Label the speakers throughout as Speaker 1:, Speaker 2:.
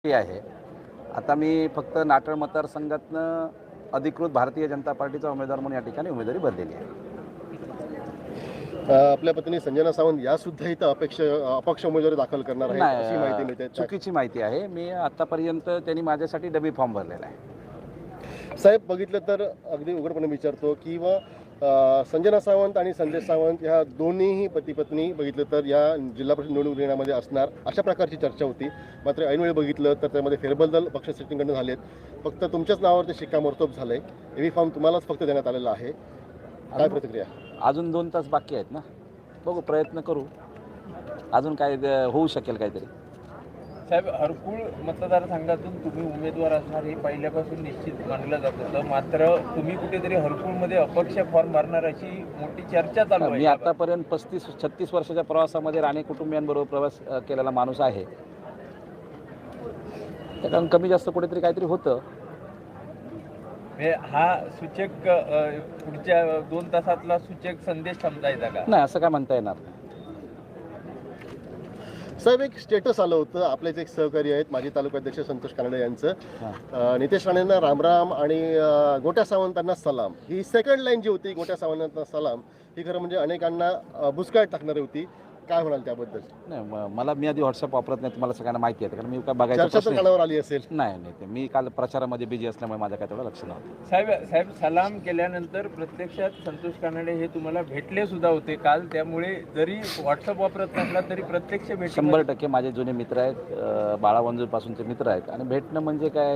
Speaker 1: आहे. आता मी फक्त नाटळ मतदारसंघातनं अधिकृत भारतीय जनता पार्टीचा उमेदवार म्हणून या ठिकाणी उमेदवारी भरलेली आहे.
Speaker 2: आपल्या पत्नी संजना सावंत या सुद्धा इथं अपक्ष उमेदवारी दाखल करणार आहे अशी माहिती मिळते.
Speaker 1: चुकीची माहिती आहे. मी आतापर्यंत त्यांनी माझ्यासाठी डबी फॉर्म भरलेला आहे.
Speaker 2: साहेब, बघितलं तर अगदी उघडपणे विचारतो की संजना सावंत आणि संजय सावंत ह्या दोन्हीही पती पत्नी बघितलं तर या जिल्हा परिषद निवडणूक रिंगणामध्ये असणार अशा प्रकारची चर्चा होती. मात्र ऐनवेळी बघितलं तर त्यामध्ये फेरबदल पक्ष सेटिंगकडून झालेत. फक्त तुमच्याच नावावरती शिक्कामोर्तब झालंय. एव्ही फॉर्म तुम्हालाच फक्त देण्यात आलेला आहे. काय प्रतिक्रिया?
Speaker 1: अजून 2 तास बाकी आहेत ना, बघू, प्रयत्न करू, अजून काय होऊ शकेल काहीतरी.
Speaker 3: साहेब, हरकुळ मतदारसंघातून तुम्ही उमेदवार असणार हे पहिल्यापासून निश्चित मानलं जात होतं. मात्र तुम्ही कुठेतरी हरकुळमध्ये अपक्ष फॉर्म भरणार अशी मोठी चर्चा चालू आहे.
Speaker 1: मी आतापर्यंत 35-36 वर्षाच्या प्रवासामध्ये राणे कुटुंबियांबरोबर प्रवास केलेला माणूस आहे. त्याच्यानं कमी जास्त कुठेतरी काहीतरी होतं.
Speaker 3: हा सूचक पुढच्या 2 तासातला सूचक संदेश समजायचा का?
Speaker 1: नाही, असं काय म्हणता येणार.
Speaker 2: साहेब, एक स्टेटस आलं होतं, आपलेच एक सहकारी आहेत माजी तालुकाध्यक्ष संतोष कानडे यांचं. नितेश राणेंना रामराम आणि गोट्या सावंतांना सलाम, ही सेकंड लाईन जी होती, गोट्या सावंतांना सलाम, ही खरं म्हणजे अनेकांना बुचकाळत टाकणारी होती. काय म्हणाल त्याबद्दल?
Speaker 1: नाही, मला मी आधी व्हॉट्सअप वापरत नाही, तुम्हाला सगळ्यांना माहिती आहे, कारण मी काय बघायचं
Speaker 2: चर्चा तर कानावर आली असेल.
Speaker 1: नाही, ते मी काल प्रचारामध्ये बिझी असल्यामुळे माझं काय तेवढं लक्ष नव्हतं.
Speaker 3: साहेब, सलाम केल्यानंतर प्रत्यक्षात संतोष कानडे हे तुम्हाला भेटले सुद्धा होते काल. त्यामुळे जरी व्हॉट्सअप वापरत नसला तरी प्रत्यक्ष भेट
Speaker 1: 100% माझे जुने मित्र आहेत, बाळावंजूरपासूनचे मित्र आहेत. आणि भेटणं म्हणजे काय,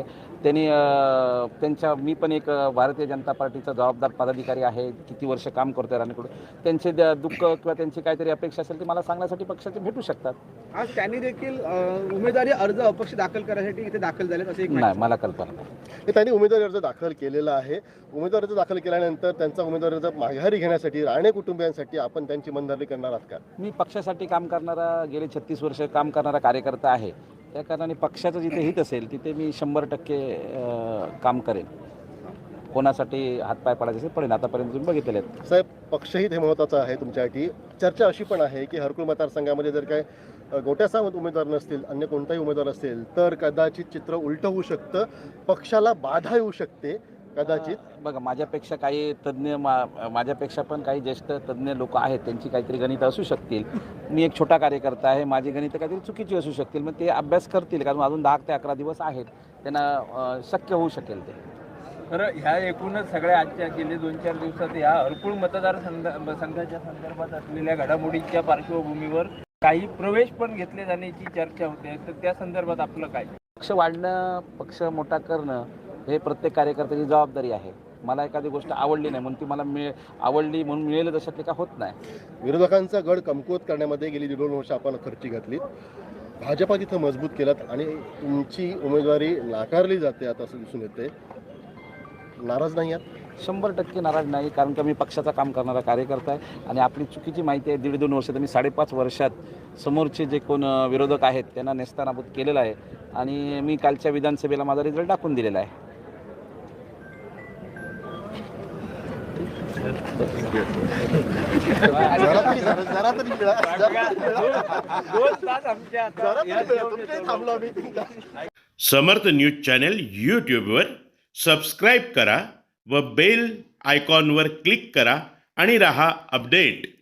Speaker 1: त्यांनी मी पण एक भारतीय जनता पार्टीचा जबाबदार पदाधिकारी आहे, किती वर्ष काम करतोय राणेकडून. त्यांचे दुःख किंवा त्यांची काहीतरी अपेक्षा असेल ती मला सांगण्यासाठी पक्षाचे भेटू शकतात.
Speaker 4: आज त्यांनी देखील उमेदवारी अर्ज अपक्ष दाखल करण्यासाठी इथे दाखल झालेत असं एक
Speaker 1: नाही, मला कल्पना नाही.
Speaker 2: त्यांनी उमेदवारी अर्ज दाखल केलेला आहे. उमेदवारी अर्ज दाखल केल्यानंतर त्यांचा उमेदवारी अर्ज माघारी घेण्यासाठी राणे कुटुंबियांसाठी आपण त्यांची मनधरणी करणार आहात का?
Speaker 1: मी पक्षासाठी काम करणारा, गेले 36 वर्ष काम करणारा कार्यकर्ता आहे. त्या कारणाने पक्षाचं जिथे हित असेल तिथे मी 100% काम करेन. कोणासाठी हातपाय पडायचे असेल पडेल. आतापर्यंत तुम्ही बघितलेले आहेत.
Speaker 2: साहेब, पक्षही हे महत्त्वाचं आहे तुमच्यासाठी. चर्चा अशी पण आहे की हरकुळ मतदारसंघामध्ये जर काय गोट्या सावंत उमेदवार नसतील, अन्य कोणताही उमेदवार असेल तर कदाचित चित्र उलटं होऊ शकतं, पक्षाला बाधा येऊ शकते कदाचित.
Speaker 1: बघा, माझ्यापेक्षा काही तज्ज्ञ माझ्यापेक्षा पण काही ज्येष्ठ तज्ज्ञ लोक आहेत, त्यांची काहीतरी गणितं असू शकतील. मी एक छोटा कार्यकर्ता आहे, माझी गणितं काहीतरी चुकीची असू शकतील. मग ते अभ्यास करतील, कारण अजून 10 ते 11 दिवस आहेत, त्यांना शक्य होऊ शकेल ते.
Speaker 3: बरं, ह्या एकूणच सगळ्या आजच्या गेले 2-4 दिवसात या हरकुळ मतदारसंघाच्या संदर्भात असलेल्या घडामोडीच्या पार्श्वभूमीवर काही प्रवेश पण घेतले जाण्याची चर्चा होते. तर त्या संदर्भात आपलं काय?
Speaker 1: पक्ष वाढणं, पक्ष मोठा करणं हे प्रत्येक कार्यकर्त्याची जबाबदारी आहे. मला एखादी गोष्ट आवडली नाही म्हणून ती मला आवडली म्हणून मिळेल तशातले का होत नाही.
Speaker 2: विरोधकांचा गड कमकुवत करण्यामध्ये गेली 1.5 वर्ष आपण खर्ची घातलीत. भाजपा तिथं मजबूत केलात आणि तुमची उमेदवारी नाकारली जाते आता असं दिसून येते. नाराज नाही आहात?
Speaker 1: 100% नाराज नाही, कारण का मी पक्षाचं काम करणारा कार्यकर्ता आहे. आणि आपली चुकीची माहिती आहे, 1.5-2 वर्ष तर मी 5.5 वर्षात समोरचे जे कोण विरोधक आहेत त्यांना नेस्तानाबूत केलेलं आहे. आणि मी कालच्या विधानसभेला माझा रिझल्ट दाखवून दिलेला आहे.
Speaker 5: समर्थ न्यूज चॅनल यूट्यूबवर सबस्क्राईब करा व बेल आयकॉनवर क्लिक करा आणि रहा अपडेट.